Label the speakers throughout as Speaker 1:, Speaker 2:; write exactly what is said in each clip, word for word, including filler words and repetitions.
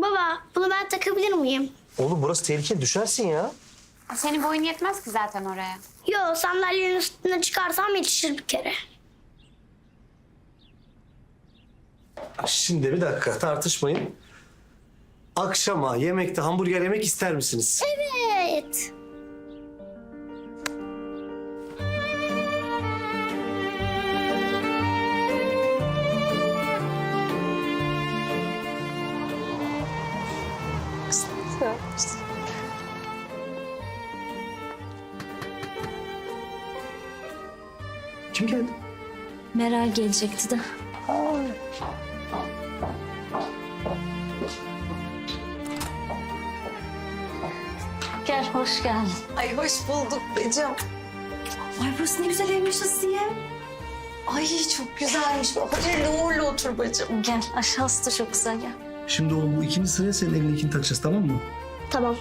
Speaker 1: Baba, bunu ben takabilir miyim?
Speaker 2: Oğlum burası tehlikeli, düşersin ya.
Speaker 3: Senin boyun yetmez ki zaten oraya.
Speaker 1: Yo, sandalyenin üstüne çıkarsam yetişir bir kere.
Speaker 2: Şimdi bir dakika, tartışmayın. Akşama yemekte hamburger yemek ister misiniz?
Speaker 1: Evet.
Speaker 2: Kim geldi?
Speaker 4: Meral gelecekti de. Gel, hoş geldin.
Speaker 5: Ay hoş bulduk Becim. Ay burası ne güzel evmiş Asiye. Ay çok güzelmiş. Hayırlı uğurlu otur bacım.
Speaker 4: Gel, aşağısı da çok güzel, gel.
Speaker 2: Şimdi oğlum bu ikinci sıraya senin elindekini takacağız, tamam mı?
Speaker 1: Tamam.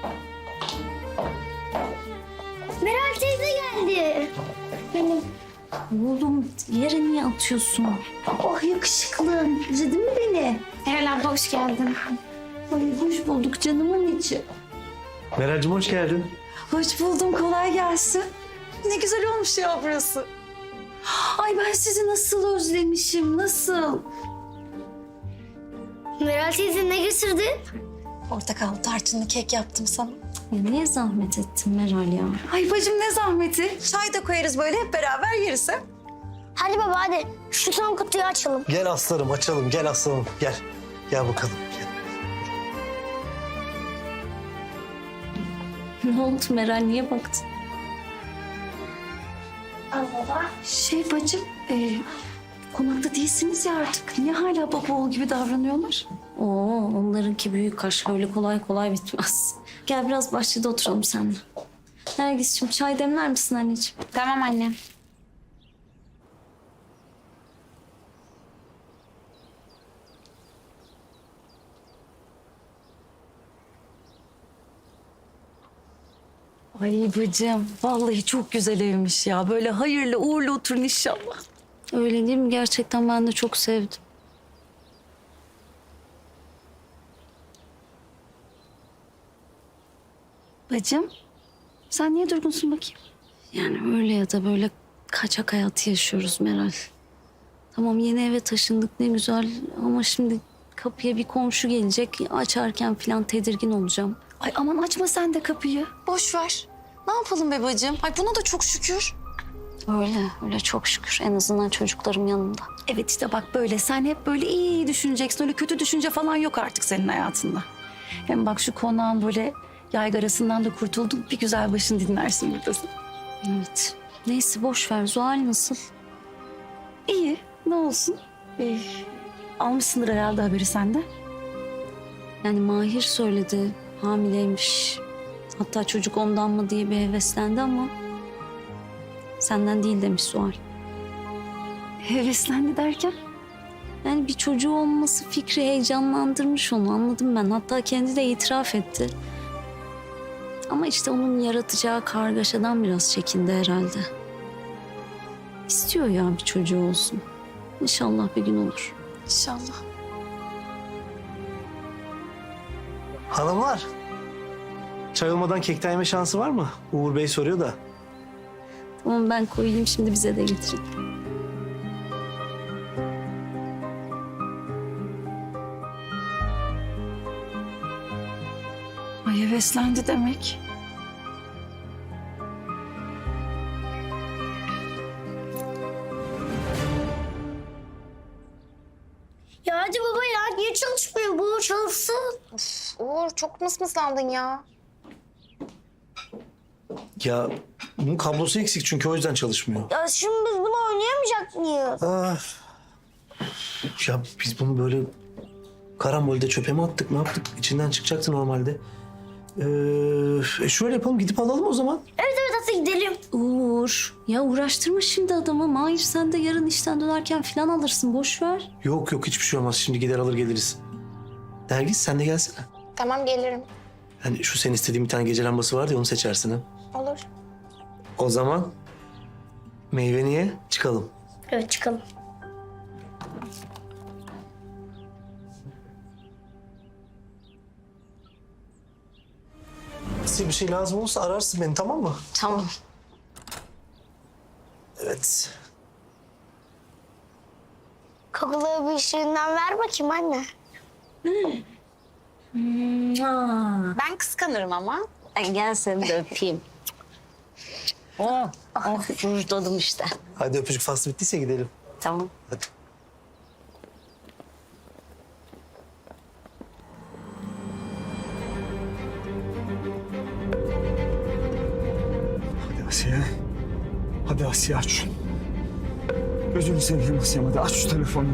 Speaker 1: Meral teyze geldi. Benim.
Speaker 4: Oğlum, yere niye atıyorsun?
Speaker 5: Oh yakışıklı. Özledin mi beni?
Speaker 3: Meral abla hoş geldin.
Speaker 5: Ay hoş bulduk canımın içi.
Speaker 2: Meral'cim hoş geldin.
Speaker 5: Hoş buldum kolay gelsin. Ne güzel olmuş ya burası. Ay ben sizi nasıl özlemişim nasıl?
Speaker 1: Meral teyze ne getirdin?
Speaker 5: Portakal tarçınlı kek yaptım sana.
Speaker 4: Ya niye zahmet ettin Meral ya?
Speaker 5: Ay bacım ne zahmeti. Çay da koyarız böyle hep beraber yeriz ha.
Speaker 1: Hadi baba hadi. Şu son kutuyu açalım.
Speaker 2: Gel aslanım, açalım. Gel aslanım, gel. Gel bakalım. Gel.
Speaker 4: Ne oldu Meral, niye baktın?
Speaker 1: Al baba.
Speaker 5: Şey bacım, e, konakta değilsiniz ya artık. Niye hala baba oğul gibi davranıyorlar?
Speaker 4: Oo, onlarınki büyük aşk, öyle kolay kolay bitmez. Gel biraz bahçede oturalım seninle. Nergis'ciğim, çay demler misin anneciğim?
Speaker 3: Tamam anne.
Speaker 5: Ay bacım, vallahi çok güzel evmiş ya. Böyle hayırlı uğurlu oturun inşallah.
Speaker 4: Öyle değil mi? Gerçekten ben de çok sevdim.
Speaker 5: Bacım, sen niye durgunsun bakayım?
Speaker 4: Yani öyle ya da böyle kaçak hayatı yaşıyoruz Meral. Tamam, yeni eve taşındık, ne güzel, ama şimdi kapıya bir komşu gelecek. Açarken falan tedirgin olacağım.
Speaker 5: Ay aman açma sen de kapıyı. Boş ver. Ne yapalım be bacım? Ay buna da çok şükür.
Speaker 4: Öyle, öyle çok şükür. En azından çocuklarım yanımda.
Speaker 5: Evet işte bak böyle sen hep böyle iyi iyi düşüneceksin. Öyle kötü düşünce falan yok artık senin hayatında. Hem bak şu konağın böyle yaygarasından da kurtuldun. Bir güzel başını dinlersin buradasın.
Speaker 4: Evet. Neyse boş ver. Zuhal nasıl?
Speaker 5: İyi ne olsun. Ee, almışsındır herhalde haberi sende.
Speaker 4: Yani Mahir söyledi, hamileymiş. Hatta çocuk ondan mı diye bir heveslendi ama senden değil demiş Zuhal.
Speaker 5: Heveslendi derken?
Speaker 4: Yani bir çocuğu olması fikri heyecanlandırmış onu, anladım ben. Hatta kendi de itiraf etti. Ama işte onun yaratacağı kargaşadan biraz çekindi herhalde. İstiyor ya bir çocuğu olsun. İnşallah bir gün olur.
Speaker 5: İnşallah.
Speaker 2: Hanımlar, çay olmadan kekten yeme şansı var mı? Uğur Bey soruyor da.
Speaker 4: Tamam, ben koyayım şimdi, bize de getirin.
Speaker 5: Ay heveslendi demek.
Speaker 1: Ya hadi baba ya niye çalışmıyor bu çalışsın?
Speaker 3: Uğur çok mısmıslandın ya.
Speaker 2: Ya bunun kablosu eksik çünkü o yüzden çalışmıyor.
Speaker 1: Ya şimdi biz bunu oynayamayacak mıyız?
Speaker 2: Ah. Ya biz bunu böyle karambolde çöpe mi attık, ne yaptık? İçinden çıkacaktı normalde. Ee, e şöyle yapalım, gidip alalım o zaman.
Speaker 1: Evet evet hadi gidelim.
Speaker 4: Uğur, ya uğraştırma şimdi adamı. Mahir, sen de yarın işten dönerken falan alırsın, boş ver.
Speaker 2: Yok yok, hiçbir şey olmaz. Şimdi gider alır geliriz. Nergis sen de gelsene.
Speaker 3: Tamam gelirim.
Speaker 2: Hani şu senin istediğin bir tane gece lambası vardı ya, onu seçersin ha.
Speaker 3: Olur.
Speaker 2: O zaman meyveni ye, çıkalım.
Speaker 1: Evet çıkalım.
Speaker 2: Size bir şey lazım olursa ararsın beni, tamam mı?
Speaker 4: Tamam.
Speaker 2: Evet.
Speaker 1: Kokulu bir şeyinden ver bakayım anne.
Speaker 3: Ben kıskanırım ama.
Speaker 4: Ay, gel seni de öpeyim. Oh, oh, rujladım işte.
Speaker 2: Hadi öpücük faslı bittiyse gidelim.
Speaker 4: Tamam.
Speaker 2: Hadi.
Speaker 6: Hadi Asiye. Hadi Asiye aç şunu. Gözünü seveyim Asiye, hadi aç şu telefonu.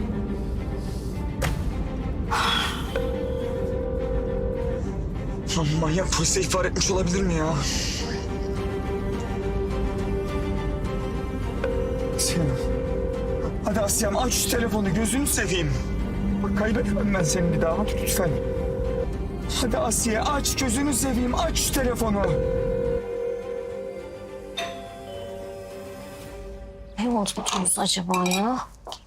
Speaker 6: Lan manyak polise ihbar etmiş olabilir mi ya? Asiye. Hadi Asiye'm aç şu telefonu, gözünü seveyim. Bak kaybetmem ben seni bir daha, hadi lütfen. Hadi Asiye aç, gözünü seveyim, aç şu telefonu.
Speaker 4: Ne unuttunuz acaba ya?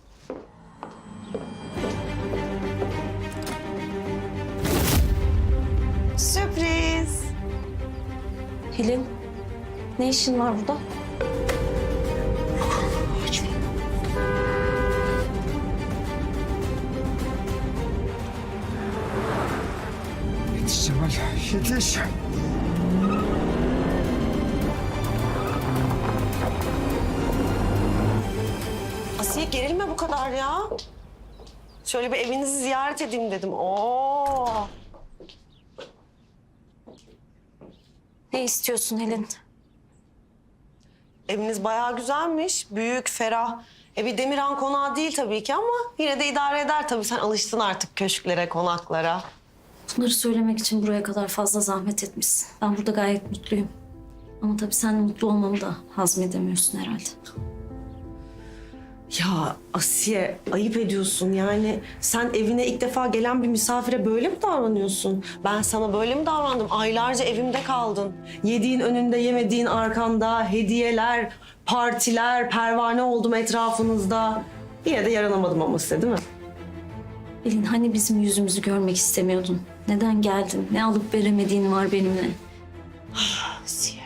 Speaker 7: Sürpriz.
Speaker 4: Helin, ne işin var burada?
Speaker 6: Yetiş Cemal, yetiş.
Speaker 7: Asiye gerilme bu kadar ya. Şöyle bir evinizi ziyaret edeyim dedim. Oo.
Speaker 4: Ne istiyorsun Helin?
Speaker 7: Eviniz bayağı güzelmiş. Büyük, ferah. E bir Demirhan konağı değil tabii ki ama yine de idare eder tabii. Sen alıştın artık köşklere, konaklara.
Speaker 4: Bunları söylemek için buraya kadar fazla zahmet etmişsin. Ben burada gayet mutluyum. Ama tabii sen mutlu olmamı da hazmedemiyorsun herhalde.
Speaker 7: Ya Asiye ayıp ediyorsun yani. Sen evine ilk defa gelen bir misafire böyle mi davranıyorsun? Ben sana böyle mi davrandım? Aylarca evimde kaldın. Yediğin önünde, yemediğin arkanda, hediyeler, partiler, pervane oldum etrafınızda. Yine de yaranamadım ama size değil mi?
Speaker 4: Helin, hani bizim yüzümüzü görmek istemiyordun? Neden geldin? Ne alıp veremediğin var benimle?
Speaker 7: Asiye.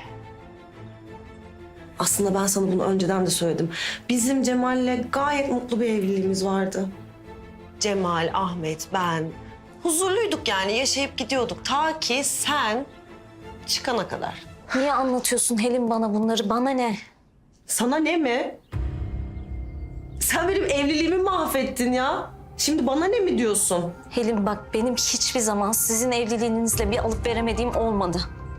Speaker 7: Aslında ben sana bunu önceden de söyledim. Bizim Cemal'le gayet mutlu bir evliliğimiz vardı. Cemal, Ahmet, ben huzurluyduk yani yaşayıp gidiyorduk. Ta ki sen çıkana kadar.
Speaker 4: Niye anlatıyorsun Helin bana bunları? Bana ne?
Speaker 7: Sana ne mi? Sen benim evliliğimi mahvettin ya. Şimdi bana ne mi diyorsun?
Speaker 4: Helin bak, benim hiçbir zaman sizin evliliğinizle bir alıp veremediğim olmadı.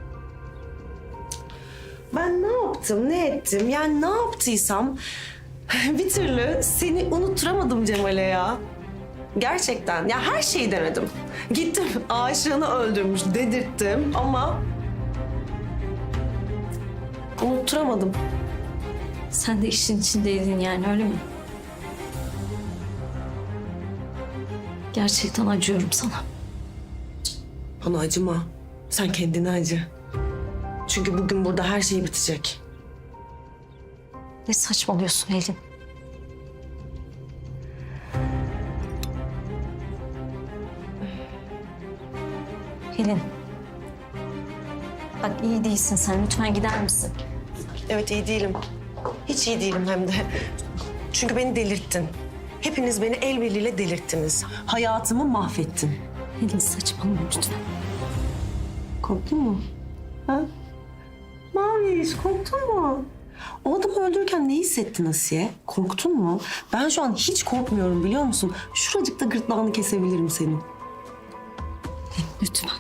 Speaker 7: Ben ne yaptım, ne ettim? Yani ne yaptıysam bir türlü seni unutturamadım Cemal'e ya. Gerçekten. Ya her şeyi denedim. Gittim aşığını öldürmüş dedirttim ama unutturamadım.
Speaker 4: Sen de işin içindeydin yani, öyle mi? Gerçekten acıyorum sana.
Speaker 7: Bana acıma. Sen kendine acı. Çünkü bugün burada her şey bitecek.
Speaker 4: Ne saçmalıyorsun Helin? Helin. Bak, iyi değilsin sen. Lütfen gider misin?
Speaker 7: Evet iyi değilim. Hiç iyi değilim hem de. Çünkü beni delirttin. Hepiniz beni el birliğiyle delirttiniz. Hayatımı mahvettin.
Speaker 4: Helin, saçmalama lütfen.
Speaker 7: Korktun mu? Ha? Maviş, korktun mu? O adamı öldürürken ne hissettin Asiye? Korktun mu? Ben şu an hiç korkmuyorum biliyor musun? Şuracıkta gırtlağını kesebilirim senin.
Speaker 4: Lütfen.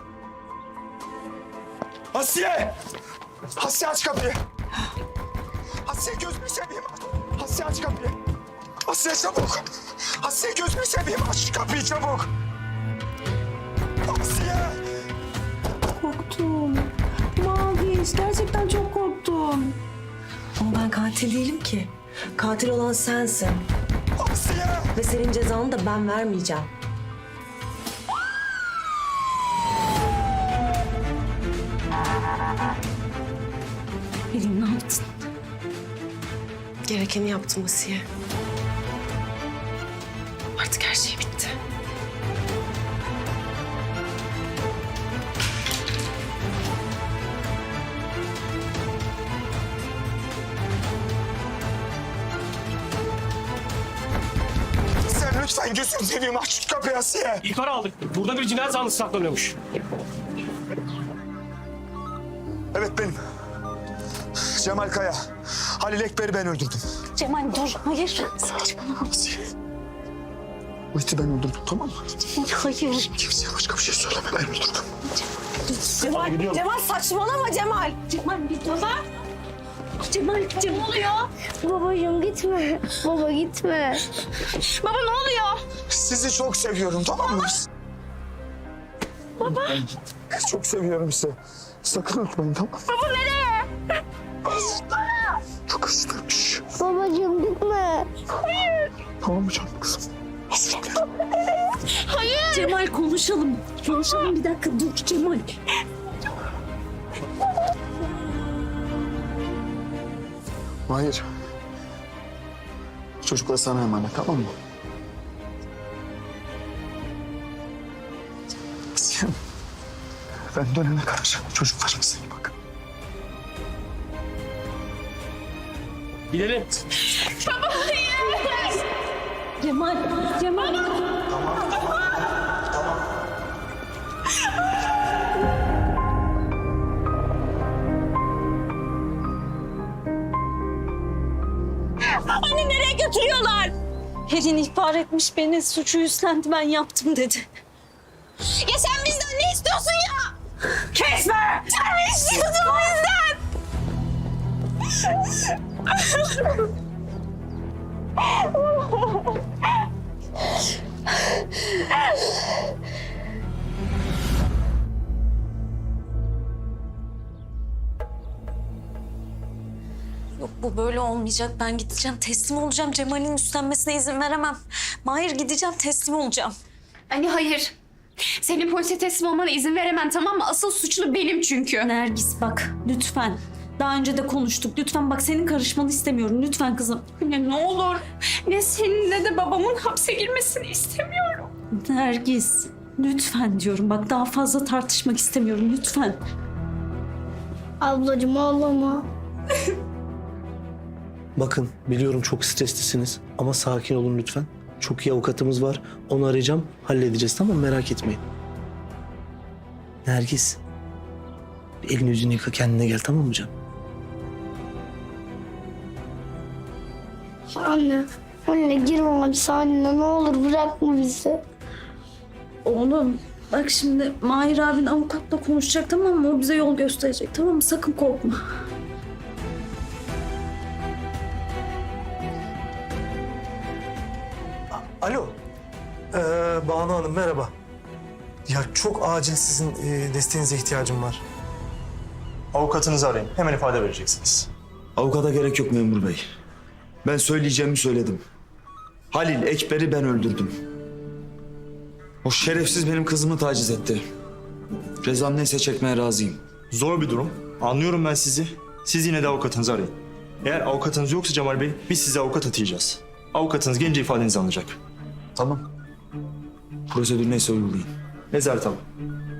Speaker 6: Asiye! Asiye aç kapıyı! Asiye gözünü seveyim. Asiye aç kapıyı. Asiye çabuk. Asiye gözünü seveyim, aç kapıyı çabuk. Asiye!
Speaker 7: Korktum. Maviş, gerçekten çok korktum. Ama ben katil değilim ki. Katil olan sensin.
Speaker 6: Asiye!
Speaker 7: Ve senin cezanı da ben vermeyeceğim.
Speaker 4: Helin, ne yaptın?
Speaker 7: Gerekeni yaptım Asiye. Artık her şey bitti.
Speaker 6: Lütfen gözünü seveyim aç şu kapıyı Asiye.
Speaker 8: İhbar aldık. Burada bir cinayet zanlısı saklanıyormuş.
Speaker 6: Evet benim. Cemal Kaya. Halil Ekber'i ben öldürdüm.
Speaker 4: Cemal dur. Hayır.
Speaker 6: Asiye. Bu iti ben öldürdüm tamam mı?
Speaker 4: Hayır.
Speaker 6: Kimseye başka bir şey söyleme ben öldürdüm.
Speaker 7: Cemal, Cemal saçmalama Cemal.
Speaker 4: Cemal bir dur. Baba. Cemal, Cemal oluyor.
Speaker 1: Babacığım gitme. Baba gitme.
Speaker 3: Baba ne oluyor?
Speaker 6: Sizi çok seviyorum tamam mı? Baba. Çok seviyorum sizi. Sakın unutmayın tamam mı?
Speaker 3: Baba nereye?
Speaker 6: Çok hızlıymış.
Speaker 1: Babacığım gitme.
Speaker 6: Tamam mı canım kızım?
Speaker 4: Cemal konuşalım. Konuşalım bir dakika dur Cemal.
Speaker 6: Hayır. Çocuklar sana emanet tamam mı? Sen, ben dönene kadar çocuklarımıza iyi bakın.
Speaker 8: Gidelim.
Speaker 4: Cemal, Cemal.
Speaker 3: Anne nereye götürüyorlar?
Speaker 4: Pelin ihbar etmiş beni. Suçu üstlendi ben yaptım dedi.
Speaker 3: Ya sen bizden ne istiyorsun ya? Kesme! Sen ne istiyorsun bizden?
Speaker 4: Yok bu böyle olmayacak. Ben gideceğim teslim olacağım. Cemal'in üstlenmesine izin veremem. Mahir gideceğim teslim olacağım.
Speaker 9: Anne hayır. Senin polise teslim olmana izin veremem tamam mı? Asıl suçlu benim çünkü.
Speaker 4: Nergis bak lütfen. Daha önce de konuştuk. Lütfen bak senin karışmanı istemiyorum. Lütfen kızım.
Speaker 9: Anne ne olur. Ne senin ne de babamın hapse girmesini istemiyorum.
Speaker 4: Nergis lütfen diyorum. Bak daha fazla tartışmak istemiyorum. Lütfen.
Speaker 1: Ablacığım ağlama.
Speaker 2: Bakın biliyorum çok streslisiniz ama sakin olun lütfen. Çok iyi avukatımız var. Onu arayacağım. Halledeceğiz tamam mı? Merak etmeyin. Nergis. Bir elini yüzünü yıka kendine gel tamam mı canım?
Speaker 1: Anne. Anne girme hapishanene ne olur bırakma bizi.
Speaker 4: Oğlum bak şimdi Mahir abin avukatla konuşacak tamam mı? O bize yol gösterecek tamam mı? Sakın korkma.
Speaker 2: Alo. Ee, Banu Hanım merhaba. Ya çok acil sizin e, desteğinize ihtiyacım var.
Speaker 10: Avukatınızı arayın. Hemen ifade vereceksiniz.
Speaker 11: Avukata gerek yok memur bey. Ben söyleyeceğimi söyledim. Halil Ekber'i ben öldürdüm. O şerefsiz benim kızımı taciz etti. Cezam neyse çekmeye razıyım.
Speaker 10: Zor bir durum. Anlıyorum ben sizi. Siz yine de avukatınızı arayın. Eğer avukatınız yoksa Cemal Bey, biz size avukat atayacağız. Avukatınız gelince ifadenizi alacak.
Speaker 11: Tamam. Prosedür neyse uygulayın.
Speaker 10: Nezaret alın.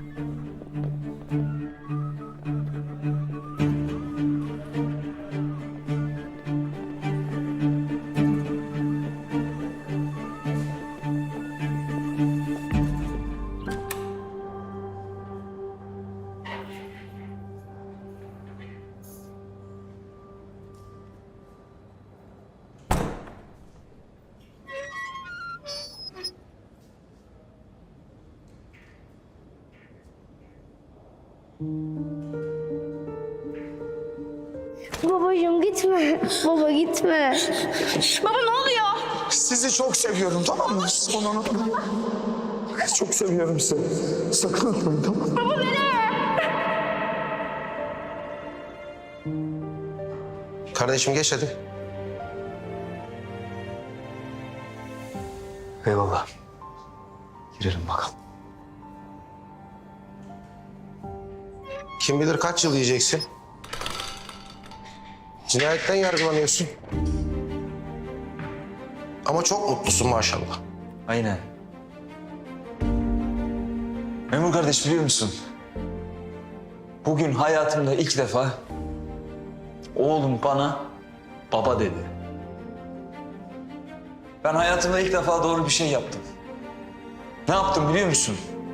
Speaker 1: Babacığım gitme. Baba gitme.
Speaker 3: Baba ne oluyor?
Speaker 6: Sizi çok seviyorum tamam mı? Onu unutmayın. Çok seviyorum sizi. Sakın unutmayın tamam mı?
Speaker 3: Baba nereye?
Speaker 12: Kardeşim geç hadi.
Speaker 2: Eyvallah. Girelim bakalım.
Speaker 12: Kim bilir kaç yıl yiyeceksin? Cinayetten yargılanıyorsun. Ama çok mutlusun maşallah.
Speaker 11: Aynen. Memur kardeş biliyor musun? Bugün hayatımda ilk defa oğlum bana baba dedi. Ben hayatımda ilk defa doğru bir şey yaptım. Ne yaptım biliyor musun?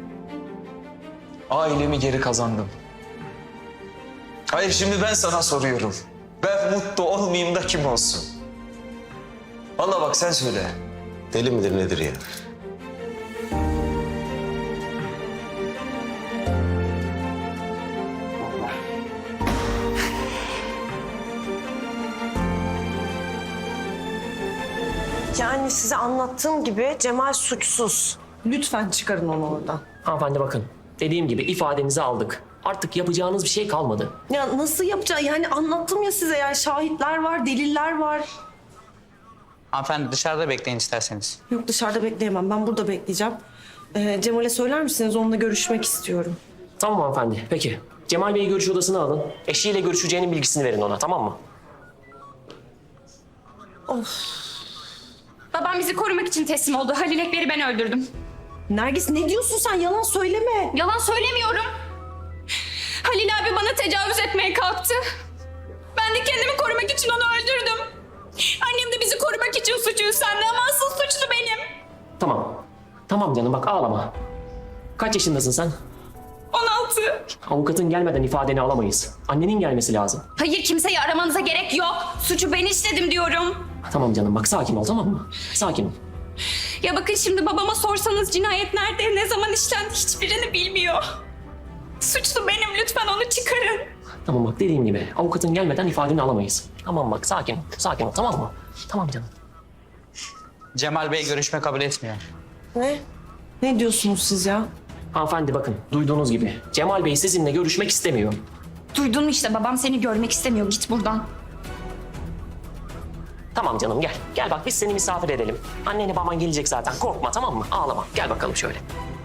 Speaker 11: Ailemi geri kazandım. Hayır şimdi ben sana soruyorum. Ben mutlu olmayayım da kim olsun? Vallahi bak sen söyle.
Speaker 12: Deli midir nedir ya?
Speaker 7: Yani size anlattığım gibi Cemal suçsuz. Lütfen çıkarın onu oradan.
Speaker 8: Hanımefendi bakın. Dediğim gibi ifadenizi aldık. Artık yapacağınız bir şey kalmadı.
Speaker 7: Ya nasıl yapacağım? Yani anlattım ya size, yani şahitler var, deliller var.
Speaker 13: Hanımefendi dışarıda bekleyin isterseniz.
Speaker 7: Yok, dışarıda bekleyemem. Ben burada bekleyeceğim. Ee, Cemal'e söyler misiniz? Onunla görüşmek istiyorum.
Speaker 8: Tamam hanımefendi. Peki. Cemal Bey'i görüş odasına alın. Eşiyle görüşeceğinin bilgisini verin ona, tamam mı?
Speaker 9: Babam bizi korumak için teslim oldu. Halil Ekber'i ben öldürdüm.
Speaker 7: Nergis, ne diyorsun sen? Yalan söyleme.
Speaker 9: Yalan söylemiyorum. Halil abi bana tecavüz etmeye kalktı. Ben de kendimi korumak için onu öldürdüm. Annem de bizi korumak için suçu üstlendi ama asıl suçlu benim.
Speaker 8: Tamam. Tamam canım bak ağlama. Kaç yaşındasın sen?
Speaker 9: on altı.
Speaker 8: Avukatın gelmeden ifadeni alamayız. Annenin gelmesi lazım.
Speaker 9: Hayır, kimseyi aramanıza gerek yok. Suçu ben işledim diyorum.
Speaker 8: Tamam canım bak sakin ol, tamam mı? Sakin ol.
Speaker 9: Ya bakın şimdi babama sorsanız cinayet nerede, ne zaman işlendi hiçbirini bilmiyor. Suçlu benim, lütfen onu çıkarın.
Speaker 8: Tamam bak dediğim gibi avukatın gelmeden ifadeni alamayız. Tamam bak sakin ol, sakin ol, tamam mı? Tamam canım.
Speaker 13: Cemal Bey görüşme kabul etmiyor.
Speaker 7: Ne? Ne diyorsunuz siz ya?
Speaker 8: Hanımefendi bakın duyduğunuz gibi Cemal Bey sizinle görüşmek istemiyor.
Speaker 9: Duydun mu işte, babam seni görmek istemiyor, git buradan.
Speaker 8: Tamam canım gel. Gel bak biz seni misafir edelim. Anneni baban gelecek zaten korkma, tamam mı? Ağlama. Gel bakalım şöyle.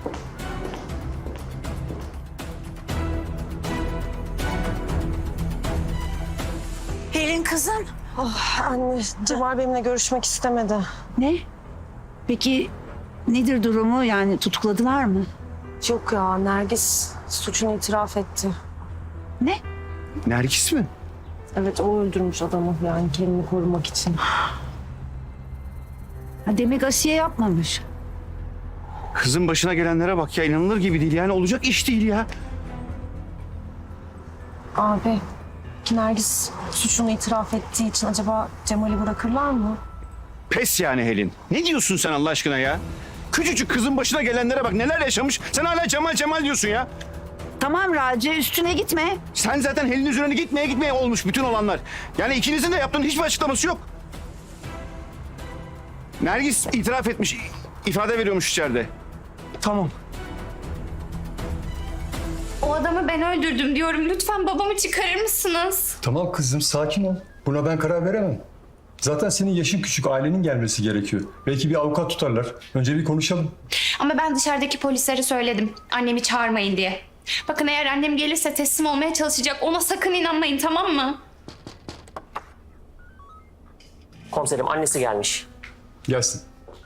Speaker 5: Pelin kızım.
Speaker 7: Oh, anne, Cemal benimle görüşmek istemedi.
Speaker 5: Ne? Peki nedir durumu? Yani tutukladılar mı?
Speaker 7: Yok ya, Nergis suçunu itiraf etti.
Speaker 5: Ne?
Speaker 11: Nergis mi?
Speaker 7: Evet, o öldürmüş adamı, yani kendini korumak için.
Speaker 5: Ha, demek Asiye yapmamış.
Speaker 11: Kızın başına gelenlere bak ya, inanılır gibi değil yani, olacak iş değil ya.
Speaker 7: Abi, Nergis suçunu itiraf ettiği için acaba Cemal'i bırakırlar mı?
Speaker 11: Pes yani Helin. Ne diyorsun sen Allah aşkına ya? Küçücük kızın başına gelenlere bak, neler yaşamış. Sen hala Cemal Cemal diyorsun ya.
Speaker 5: Tamam Raci, üstüne gitme.
Speaker 11: Sen zaten Helin'in üzerine gitmeye gitmeye olmuş bütün olanlar. Yani ikinizin de yaptığının hiçbir açıklaması yok. Nergis itiraf etmiş, ifade veriyormuş içeride. Tamam.
Speaker 9: O adamı ben öldürdüm diyorum. Lütfen babamı çıkarır mısınız?
Speaker 14: Tamam kızım sakin ol. Buna ben karar veremem. Zaten senin yaşın küçük, ailenin gelmesi gerekiyor. Belki bir avukat tutarlar. Önce bir konuşalım.
Speaker 9: Ama ben dışarıdaki polislere söyledim. Annemi çağırmayın diye. Bakın eğer annem gelirse teslim olmaya çalışacak. Ona sakın inanmayın, tamam mı?
Speaker 8: Komiserim annesi gelmiş.
Speaker 14: Gelsin.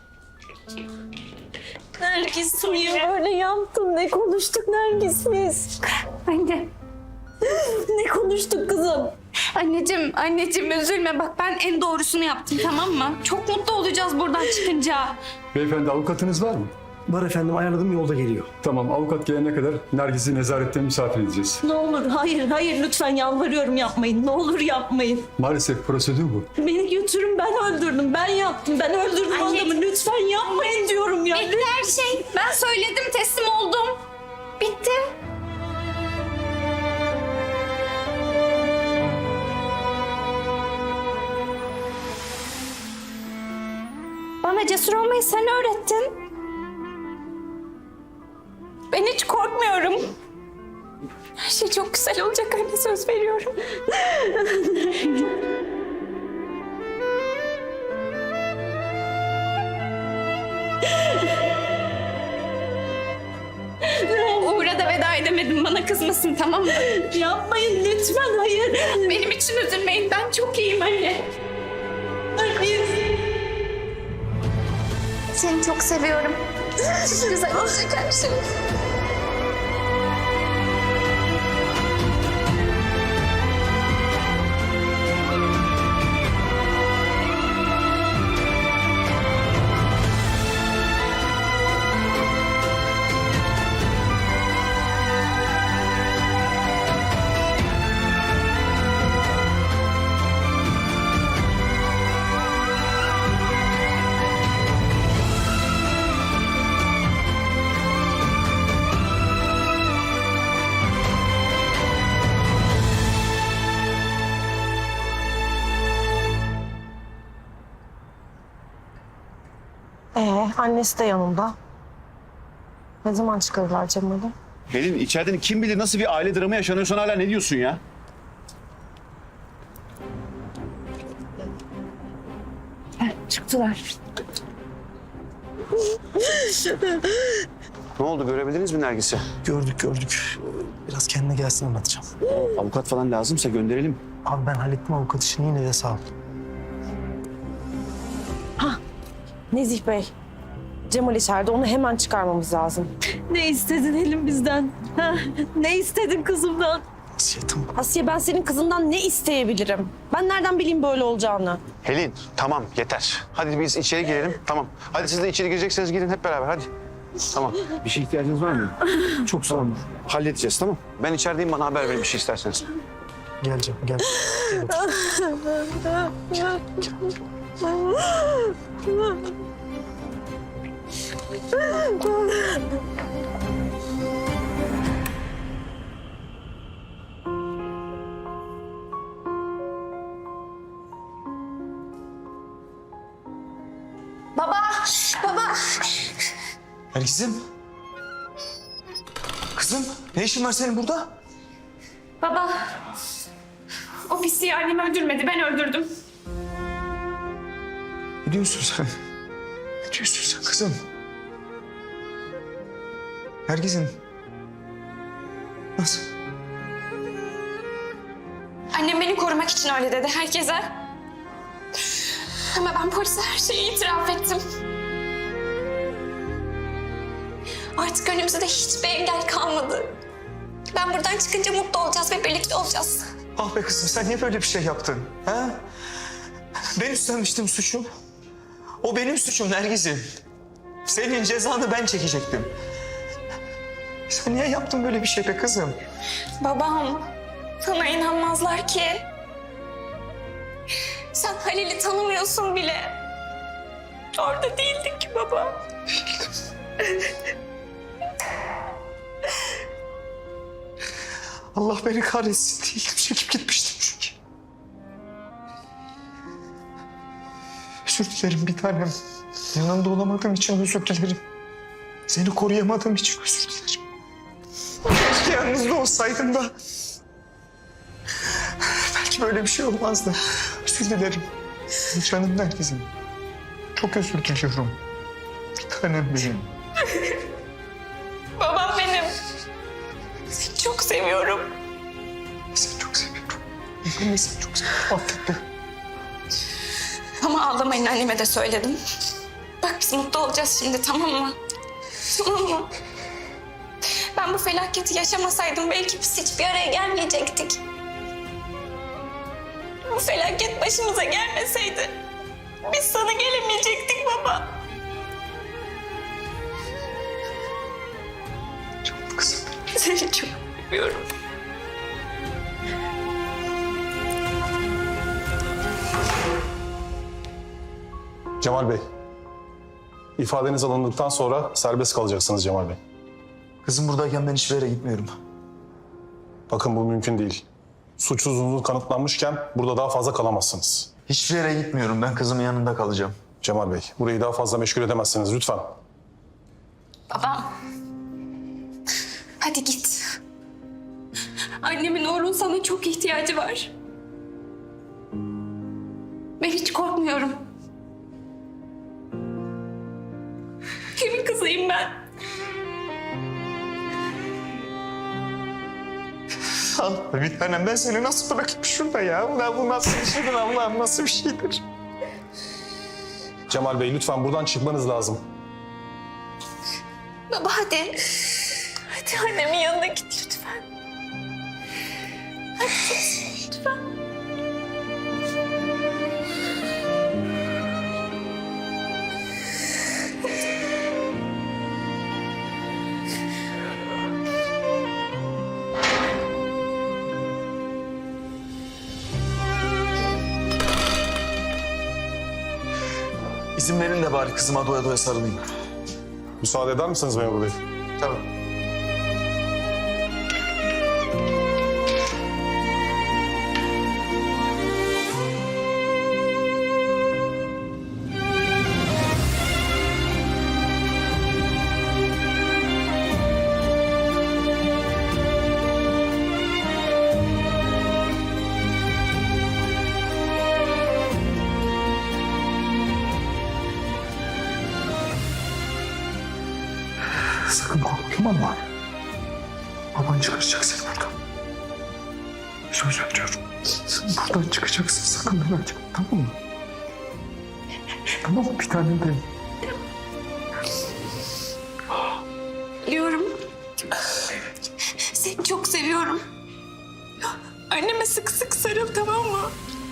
Speaker 7: Nergis, niye böyle yaptın? Ne konuştuk Nergis biz?
Speaker 9: Anne.
Speaker 7: Ne konuştuk kızım?
Speaker 9: Anneciğim, anneciğim üzülme. Bak ben en doğrusunu yaptım, tamam mı? Çok mutlu olacağız buradan çıkınca.
Speaker 14: Beyefendi avukatınız var mı?
Speaker 2: Var efendim, ayarladım, yolda geliyor.
Speaker 14: Tamam, avukat gelene kadar Nergis'i nezarette misafir edeceğiz.
Speaker 7: Ne olur, hayır, hayır, lütfen yalvarıyorum, yapmayın. Ne olur yapmayın.
Speaker 14: Maalesef prosedür bu.
Speaker 7: Beni götürün, ben öldürdüm, ben yaptım, ben öldürdüm
Speaker 9: Anne.
Speaker 7: adamı. Lütfen yapmayın diyorum ya.
Speaker 9: Bitti her şey. Ben söyledim, teslim oldum. Bitti. Bana cesur olmayı sen öğrettin. Ben hiç korkmuyorum. Her şey çok güzel olacak anne, söz veriyorum. Uğur'a da veda edemedim, bana kızmasın, tamam mı?
Speaker 7: Yapmayın lütfen, hayır.
Speaker 9: Benim için üzülmeyin, ben çok iyiyim anne. Seni çok seviyorum. Güzel olacak her şey.
Speaker 7: annesi de yanında. Ne zaman çıkarırlar Cemal'i?
Speaker 15: Pelin içeriden kim bilir nasıl bir aile dramı yaşanıyorsan hala ne diyorsun ya?
Speaker 5: Çıktılar.
Speaker 15: Ne oldu görebildiniz mi Nergis'i?
Speaker 2: Gördük gördük. Biraz kendine gelsin anlatacağım.
Speaker 15: Avukat falan lazımsa gönderelim.
Speaker 2: Abi ben hallettim avukat işini, yine de sağ ol.
Speaker 7: Nezih Bey. Cemal içeride, onu hemen çıkarmamız lazım.
Speaker 5: Ne istedin Helin bizden? Ha? Ne istedin kızımdan?
Speaker 2: Şey, tamam.
Speaker 7: Asiye, ben senin kızından ne isteyebilirim? Ben nereden bileyim böyle olacağını?
Speaker 15: Pelin tamam yeter. Hadi biz içeri girelim tamam. Hadi siz de içeri girecekseniz girin hep beraber hadi. Tamam. Bir şey ihtiyacınız var mı?
Speaker 2: Çok sağ olun.
Speaker 15: Halledeceğiz tamam. Ben içerideyim, bana haber verin bir şey isterseniz.
Speaker 2: Geleceğim, gel. Gel otur.
Speaker 3: Baba, baba.
Speaker 11: Nergis'im. Kızım ne işin var senin burada?
Speaker 9: Baba, o pisliği annemi öldürmedi, ben öldürdüm.
Speaker 11: Ne diyorsun sen? Ne diyorsun sen kızım? Nergis'im. Nasıl?
Speaker 9: Annem beni korumak için öyle dedi herkese. Ama ben polise her şeyi itiraf ettim. Artık önümüzde hiçbir engel kalmadı. Ben buradan çıkınca mutlu olacağız ve birlikte olacağız.
Speaker 11: Ah be kızım, sen niye böyle bir şey yaptın? Ha? Ben üstlenmiştim suçu. O benim suçum Nergis'im. Senin cezanı ben çekecektim. Sen niye yaptın böyle bir şey be kızım?
Speaker 9: Babam, sana inanmazlar ki. Sen Halil'i tanımıyorsun bile. Orada değildin ki baba.
Speaker 11: Allah beni kahretsin. Değildim, çekip gitmiştim çünkü. Özür dilerim bir tanem. Yanında olamadığım için özür dilerim. Seni koruyamadığım için özür dilerim. Keşke yanınızda olsaydım da. Belki böyle bir şey olmazdı. Özür dilerim. Canım herkesin. Çok özür diliyorum. Bir tanem benim.
Speaker 9: Babam benim. Seni çok seviyorum.
Speaker 11: Seni çok seviyorum. Ben de seni çok seviyorum. Affet beni.
Speaker 9: Ama ağlamayın, anneme de söyledim. Bak biz mutlu olacağız şimdi, tamam mı? Tamam mı? Ben bu felaketi yaşamasaydım belki biz hiçbir araya gelmeyecektik. Bu felaket başımıza gelmeseydi biz sana gelemeyecektik baba.
Speaker 11: Çok kızım.
Speaker 9: Seni çok seviyorum.
Speaker 16: Cemal Bey, ifadeniz alındıktan sonra serbest kalacaksınız Cemal Bey.
Speaker 11: Kızım buradayken ben hiçbir yere gitmiyorum.
Speaker 16: Bakın bu mümkün değil. Suçsuzluğunuz kanıtlanmışken burada daha fazla kalamazsınız.
Speaker 11: Hiçbir yere gitmiyorum. Ben kızımın yanında kalacağım.
Speaker 16: Cemal Bey, burayı daha fazla meşgul edemezsiniz lütfen.
Speaker 9: Babam. Hadi git. Annemin Uğur'un sana çok ihtiyacı var. Ben hiç korkmuyorum. Kimin kızıyım ben?
Speaker 11: Allah bir tanem, ben seni nasıl bırakayım şurada ya? Ulan bu nasıl bir şeydir Allah'ım, nasıl bir şeydir?
Speaker 16: Cemal Bey lütfen buradan çıkmanız lazım.
Speaker 9: Baba hadi. Hadi annemin yanına git lütfen. Hadi lütfen.
Speaker 11: İzin verin de bari kızıma doya doya sarılayım.
Speaker 16: Müsaade eder misiniz memur bey?
Speaker 11: Tamam.
Speaker 6: Sakın korkma, tamam mı? Baban çıkaracak seni buradan. Söz veriyorum. Sen buradan çıkacaksın, sakın merak etme, tamam mı? Tamam mı? Bir tanem benim.
Speaker 9: Biliyorum. Seni çok seviyorum. Anneme sık sık sarıl, tamam mı?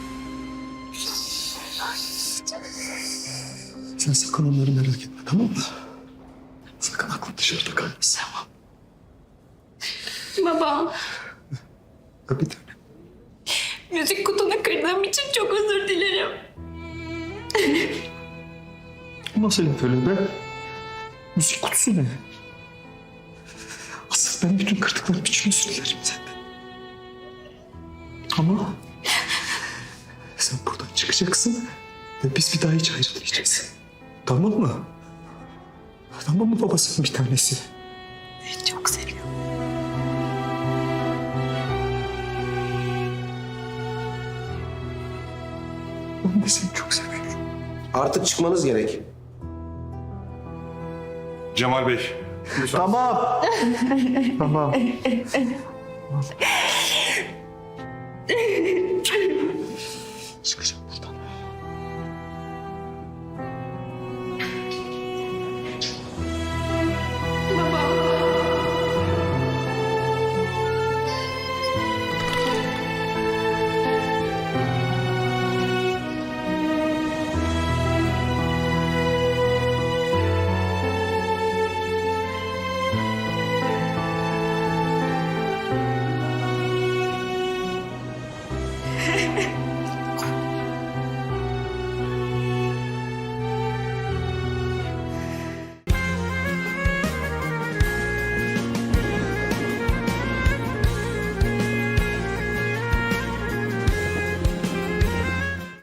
Speaker 6: Sen sakın onları merak etme, tamam mı? Sakın aklın dışarıda kalmasın. Tamam.
Speaker 9: Baba,
Speaker 6: Bir tanem.
Speaker 9: müzik kutunu kırdığım için çok özür dilerim.
Speaker 6: Nasıl laf öyle be? Müzik kutusu ne? Asıl ben bütün kırdıklarım için özür dilerim senden. Ama sen buradan çıkacaksın ve biz bir daha hiç ayrılmayacağız. Tamam mı? Tamam mı babasının bir tanesi?
Speaker 9: Seni çok seviyorum.
Speaker 6: Ben de seni çok seviyorum.
Speaker 12: Artık çıkmanız gerek.
Speaker 16: Cemal Bey.
Speaker 2: Tamam.
Speaker 6: Tamam.